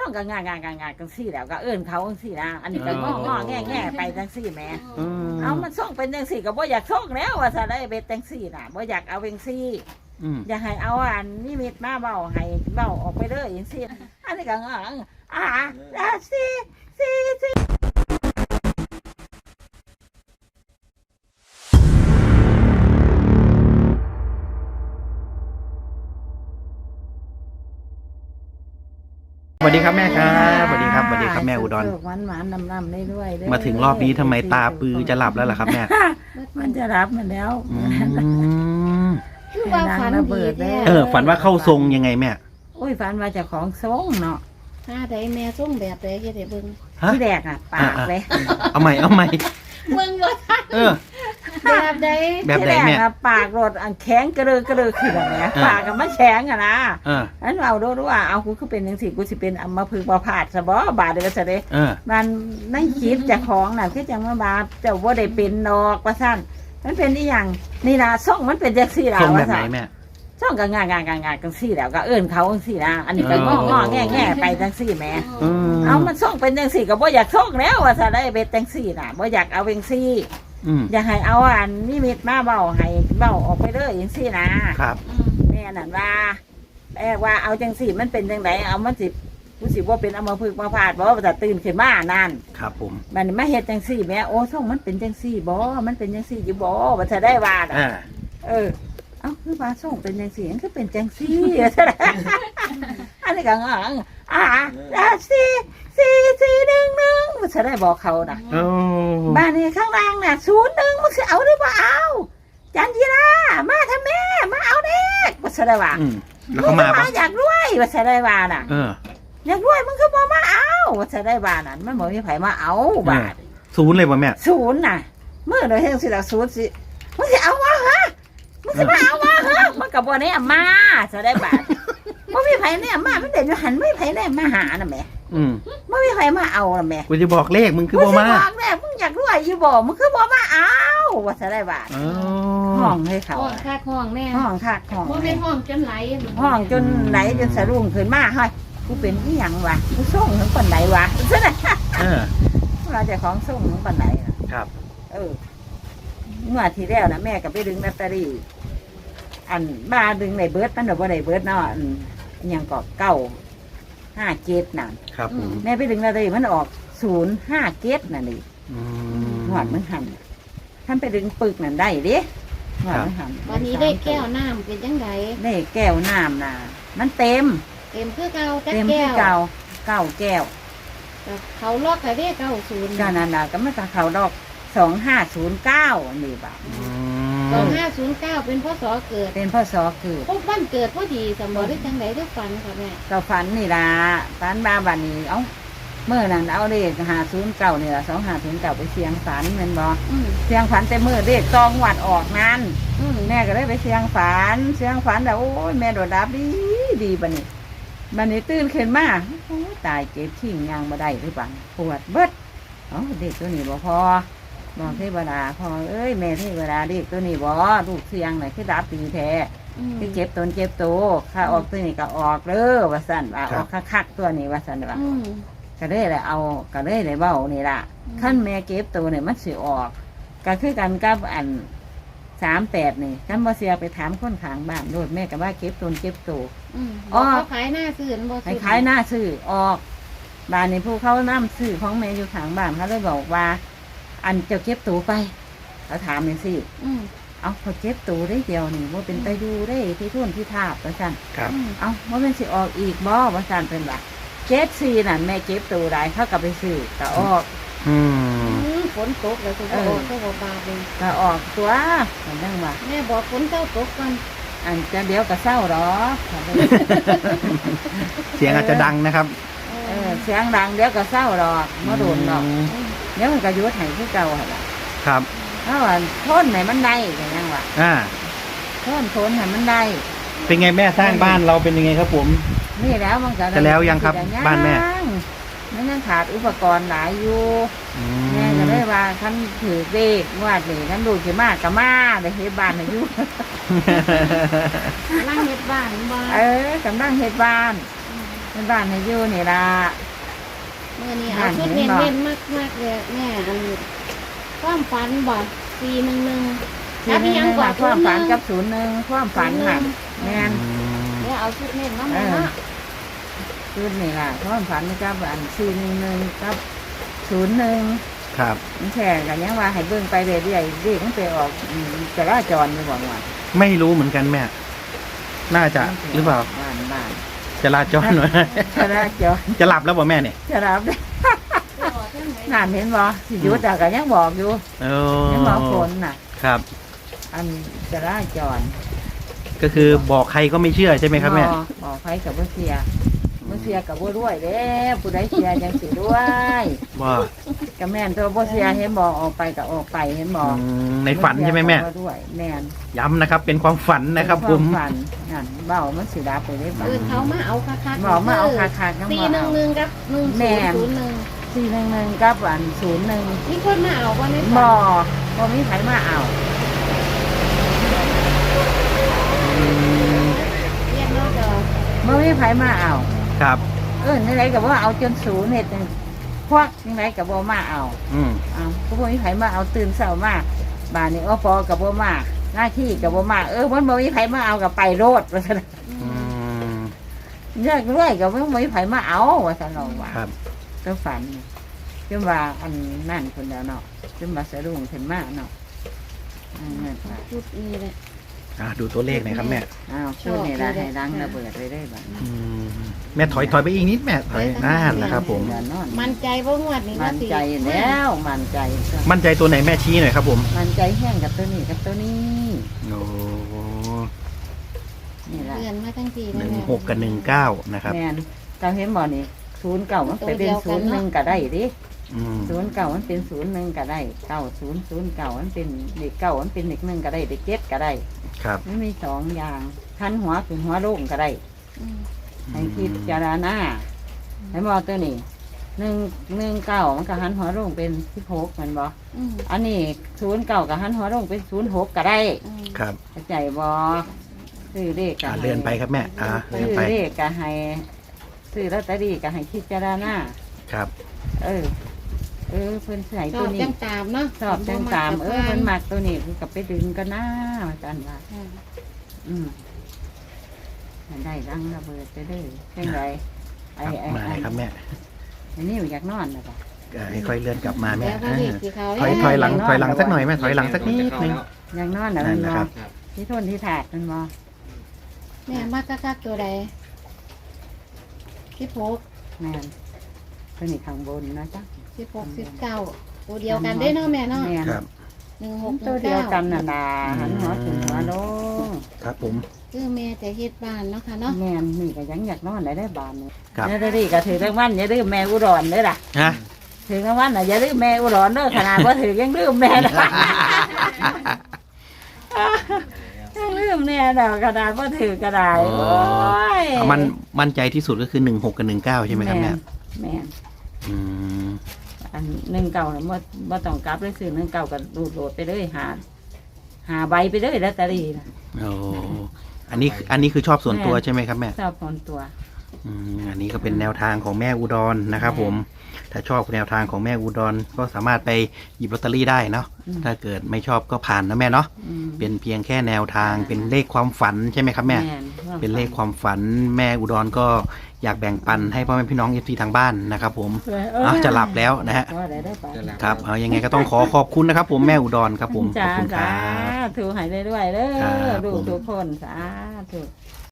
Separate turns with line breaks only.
องก็งางจังซี่แล้วก็เอิ้นเขาจังซี่นะอันนี้ก็งอแง่ไปจังซี่แหมเอามันส่งเป็นจังซี่ก็บ่อยากส่งแล้วว่าซะได้เบ็ดจังซี่น่ะบ่อยากเอาจังซี่อยากให้เอาอันนิมิตมาเว้าให้เว้าออกไปเลยจังซี่อันนี้ก็ซี่
สวัสดีครับแม่ครับสวัสดีครับแม่อุดร
หวานน้ำได้ด้วย
มาถึงรอบนี้ทำไมตาปือจะหลับแล้วล่ะครับแม่
มันจะรับมันแล้ว
คือว่าฝันดีแท้
ฝันว่าเข้าทรงยังไงแม่
โอ้ยฝันว่าเจ้าของทรงเนาะ
หาใดแม่ทรงแบบใดเฮ็ดให้เบิ่ง
ที่แรกปากเลย
เอาใหม่
เบิ่งบ่ทันแบบใด
แม่
ปากรถอันแข็งกระเดือขึ้นแบบนี้ปากมันแข็งนะนั้นเราดูว่าเอากูคือเป็นจังซี่กูสิเป็นอัมพฤกษ์บ่พาดซะบ่บาดเด้อซะเด้มันในคิดเจ้าของน่ะคือจังว่าบาดเจ้าบ่ได้เป็นดอกว่าซั่นมันเป็นอีหยังนี่ล่ะทรงมันเป็นจังซี่ล่ะว่าซั่นช่องก็งางจังซี่แล้วก็เอิ้นเขาจังซี่นะอันนี้ก็งอแง่ไปจังซี่แหมเอามันส่งเป็นจังซี่ก็บ่อยากส่งแล้วว่าซะได้เบ็ดจังซี่น่ะบ่อยากเอาจังซี่อยากให้เอาอันนิมิตมาเว้าให้เว้าออกไปเลยจังซี่นะครับแม่นั่นว่าเอาจังซี่มันเป็นจังไดเอามันสิผู้สิบ่เป็นอัมพฤกษ์มาพาดบ่ว่าจะตื่นขึ้นมานั่น
ครับผม
บัดนี้มาเฮ็ดจังซี่แม่โอ้ส่งมันเป็นจังซี่บ่มันเป็นจังซี่อยู่บ่ว่าจะได้ว่าเอาคือว่าส่งเป็นจังซี่มันคือเป็นจังซี่อันนี้ก็4 มันจะได้บอกเขาน่ะบ้านนี้ข้างล่างน่ะ01มันสิเอาหรือบ่เอาจันจีรามาทำแม่มาเอาเด็กว่าจะได้ว่า
แล้วเขามา
อยากรวยว่าจะได้ว่าน่ะอยากรวยมึงคือบ่มาเอาว่าจะได้ว่านั่นมันบ่มีไผมาเอาบาท
0เลยบ่แม่
0น่ะมื้อเด้อเฮ็ดสิล่ะ0สิมึงสิเอาวะฮะมึงสิมาเอาวะฮะมันก็บ่แน่มาจะได้บาทบ่มีไผแน่มามันเด่นอยู่หันไม่ไผแน่มาหาน่ะแม่ไม่มีใครมาเอาล่ะแม่
กูจะบอกเลขมึงคือบ่มา
บอกแม่มึงอยากรวยอยู่บ่มึงคือบ่มาเอาว่าจะได้บาทห้องให้เขา
ห้องคักห้องแม่
ห้องคักห้อง
บ่แม่นห้องจนไหล
ห้องจนไหลจนสะรุ่งขึ้นมาเฮ้ยกูเป็นอีหยังวะกูส่งถึงปานไหนวะซะน่ะเราจะของส่งถึงปานไหน
ครับ
เมื่อที่แล้วนะแม่ก็ไปดึงลอตเตอรี่อันบ้าดึงในเบิร์ดมันบ่ได้เบิร์ดเนาะยังก็957นั่น
ครับ
แม่ไปดึงอะไรมันออก057นั่นนี่หอดมันหันท่านไปดึงปึกนั่นได้ดิหอดมันหัน
วันนี้ได้แก้วน้ำเป็นจังได
ได้แก้วน้ำน่ะมันเต็ม
คือเก่า
เต็มคือเก่า9แก้ว
เขาลอกได้90
ก็นั่นน่ะก็มันเขาดอก2509นี่บ่
2509เป็นพศเกิด
เป็นพศเกิด
พบวันเกิดพอดีสมบ่ได้จังไดได้ฝันค่ะแม่
ก็ฝันนี่ล่ะฝันบ้าบัดนี้เอ้าเมื่อนั้นเอาเลข509นี่ล่ะ2509ไปเสียงฝันแม่นบ่เสียงฝันแต่มื้อเลขตองวัดออกนั้นแม่ก็เลยไปเสียงฝันแล้วโอ้ยแม่โดดดับดีบัดนี้ตื่นขึ้นมาโอ้ตายเจ็บทิ้งยังบ่ได้หรือเปล่าปวดเบิดเด็กตัวนี้บ่พอบอกเทวดาพอเอ้ยแม่เทวดาเด็กตัวนี้บ่ลูกเสียงไหนคือดับปีแท้คือเจ็บตนเจ็บตัวข้าออกตัวนี้ก็ออกเด้อว่าสั่นว่าออกคักตัวนี้ว่าสั่นว่าก็เลยเลยเอาก็เลยเลยเบ้านี่ล่ะขั้นแม่เก็บตัวเนี่ยมันสิออกก็คือกันกับอัน38นี่ขั้นบ่เสียไปถามคนข้างบ้านโดดแม่ก็ว่าเก็บตนเจ็บตัว
ขายหน้าซื้อบ่
ขายหน้าซื้อออกบ้านนี้ผู้เขานำซื้อของแม่อยู่ข้างบ้านเขาเลยบอกว่าอันเจ้าเก็บตัวไปเขาถามอย่างสิเอาเขาเก็บตัวได้เดียวนี่ว่าเป็นไปดูได้ที่ทุ่นที่ทาบว่าสั่นเอาว่าเป็นสิออกอีกบ่ว่าสั่นเป็นแบบ74นั่นแม่เก็บตัวได้เขากลับไปซื้อก็ออก
ฝนตกแล้วก็ออกก็บาเลย
ก็ออกตัวนั่นว่า
แม่บอกฝนเจ้าตกกัน
อันจะเดี๋ยวก็เศร้าหรอ
เสียงอาจจะดังนะครับ
เสียงดังเดี๋ยวก็เศร้าหรอกมาโดนหรอกเดี๋ยวมันก็ยุดให้ที่เก่าเหรอ
ครับ
เพราะว่าทนไหนมันได้อย่างนั้นว่ะทนไหนมันได้
เป็นไงแม่สร้างบ้านเราเป็นยังไงครับผม
นี่แล้วมันก็
จะแล้วยังครับบ้านแม่
มันยังขาดอุปกรณ์หลายอยู่แม่ก็เลยว่าท่านถือเด็กวาดนี่ท่านดูกี่มากกับมาเลยเฮ็ดบ้านอายุ
กำลังเฮ็ดบ้าน
กำลังเฮ็ดบ้านเป็นบ้านให้อยู่นี่ล่ะ
เมื่อนี้เอาชุดเน้นๆมากๆเลยแม่อันความฝันบ่411
ที่นี่ว่าความฝันกับ01ความฝันน่ะแม่น
เดี๋ยวเอาชุดเน้นมาแม่เนาะ
ชุดนี่ล่ะความฝันกับอัน411กับ01
ครับ
มันแค่กันยังว่าให้เบิ่งไปเรื่อยๆเด็กมันไปออกจราจรอยู่บ่ว่า
ไม่รู้เหมือนกันแม่ น่าจะหรือเปล่า
บ้าน
จราจรหน่อย
จราจร
จะหลับแล้วบ่แม่เนี่ย
จะรับได้งานเห็นบ่สิหยุดแต่ก็ยังบอกอยู่
โอ้
ยังบอกคนน่ะ
ครับ
อันจราจร
ก็คือบอกใครก็ไม่เชื่อใช่ไหมครับแม่
บอกใครกับบ่เสียกับบ่รวยเด้ผู้ใดเสียจังสิด้วย
ว่า
ก็แม่นตัวบ่เสียเห็นบอกออกไปก็ออกไปเห็นบอก
ในฝันใช่ไหมแม่
บ่ด้วยแม่น
ย้ำนะครับ เป็นความฝันนะครับผม
ฝันนั่นเบามันสิดับไปได้บ่
เขามาเอาคักๆ
บอกมาเอาคักๆนำบ่เอา
411กับ1001
411กับอัน01
มีคนมาเอาบ่ใน
บ่มีไผมาเอา
เรียนรถเด้อ
บ่มีไผมาเอา
ครับ
นี่ไรกับว่าเอาจนศูนย์เห็ดพวกนี่ไรกับว่ามาเอา
อืม
ก็บ่มีไผมาเอาตื่นเช้ามาบ้านนี้อปอกับว่ามาหน้าที่กับว่ามามันบ่มีไผมาเอากับไปโลดว่าซั่น
อืม
เรื่อยเรื่อยกับว่าบ่มีไผมาเอาว่าซั่นเราว่า
ครับ
ก็ฝันจนว่าอันนั่นคนเดียวเนาะจนว่าสะดุ้งขึ้นมาเนาะนั่นว่า
ชุดนี้แหละ
ดูตัวเลขหน่อยครับแม่
ช่วงนี้ละให้ดังระเบิดไปได้บ้าง
อืมแม่ถอยไปอีกนิดแม่ถอยนั่นแหละครับผม
มั่นใจบ่งวดนี้
มั่นใจแล้วมั่นใจ
มั่นใจตัวไหนแม่ชี้หน่อยครับผม
มั่นใจแห้งกับตัวนี้กับตัวนี้
โอ้
นี่แหละ
เดือนมาทั้งที
16 กับ 19 นะครับ
แม่นเจ้าเห็นบ่นี่09มันไปเป็น01ก็ได้ดิ
อืม
09มันเป็น01ก็ได้9009มันเป็นเลข9มันเป็นเลข1ก็ได้เลข7ก็ได้
ครับ
มันมีสองอย่างทันหัวขึ้นหัวลงก็ได้ให้คิดจารณาให้บ่ตัวนี้119มันก็หันหัวลงเป็น16มันบ่อันนี้09ก็หันหัวลงเป็น06ก็ได้
ครับ
เข้าใจบ่ซื้อเลขก็ให้
เลื่อนไปครับแม่เลื่อน
ซื้อ
ไป
เลขก็ให้ซื้อลอตเตอรี่ก็ให้คิดจารณา
ครับ
เพิ่นใส่
ช
ตั
อ
ว
บ
นี้
จังตามเนาะ
ชอบจังตามเพิ่นมักตัวนี้คือกับไปดึงกันหน้าอาจารย์ว่าได้รังระเบิดไปเลยเช่นไร
มาเลยครับแม่
อันนี้อยากนอนนะป่ะ
ให้ค่อยเลื่อนกลับมาแม่
แล้วก็เด็กที่เขา
ถอยหลังสักหน่อยแม่ถอยหลังสักนิดนึง
อยากนอนนะ
นั่
มัน น
นะ
ม
ค
อ
รับ
ที่ทนที่ถาดมันมอ
แม่มากคักๆตัวใด16
แม่นตัวนี้ข้างบนนะจ๊ะ
19ตัวเดียวกันได้เนาะแม่เนาะ
แม่น
ครับ
ตัวเดียวกัน
1619
น่ะนะหันหัวถึงหัวลง
ครับผม
คือแม่จะเฮ็ดบ้านเนาะค่ะเนาะ
แม่นนี่ก็ยังอยากนอนได้บานนี่
ครับ
เนี่ยได้ก็ถือรางวัลอย่าลืมแม่อุดรเด้อล่ะ
ฮะ
ถือรางวัลน่ะอย่าลืมแม่อุดรเด้อขนาดว่าถือยังลืมแม่นะยังลืมแน่ดอกกระดาษว่าถือกระดาษโอ้ย
มั่นใจที่สุดก็คือ 16 กับ 19 ใช่ไหมครับแม่
แม่น
อืม
อัน19น่ะบ่ต้องกลับเลยซื้อ19ก็ดูดโหลดไปเลยหาใบไปเลยลอตเตอรี่น่ะ
โอ้อันนี้คือชอบส่วนตัวใช่ไหมครับแม่
ชอบคนตัว
อันนี้ก็เป็นแนวทางของแม่อุดรนะครับผม ถ้าชอบแนวทางของแม่อุดรก็สามารถไปหยิบลอตเตอรี่ได้เนาะ ถ้าเกิดไม่ชอบก็ผ่านนะแม่เนาะ เป็นเพียงแค่แนวทาง เป็นเลขความฝันใช่ไหมครับแม่ เป็นเลขความฝันแม่อุดรก็อยากแบ่งปันให้พ่อแม่พี่น้องFCทางบ้านนะครับผมจะหลับแล้วนะฮะ ครับเอายังไงก็ต้องขอบคุณนะครับผมแม่อุดรครับผม ขอบคุณค
จ้า
รับ
ถูกหายได้ด้วยเด้
ครั
อบ ดู
ผม
ทุกคนสาธุ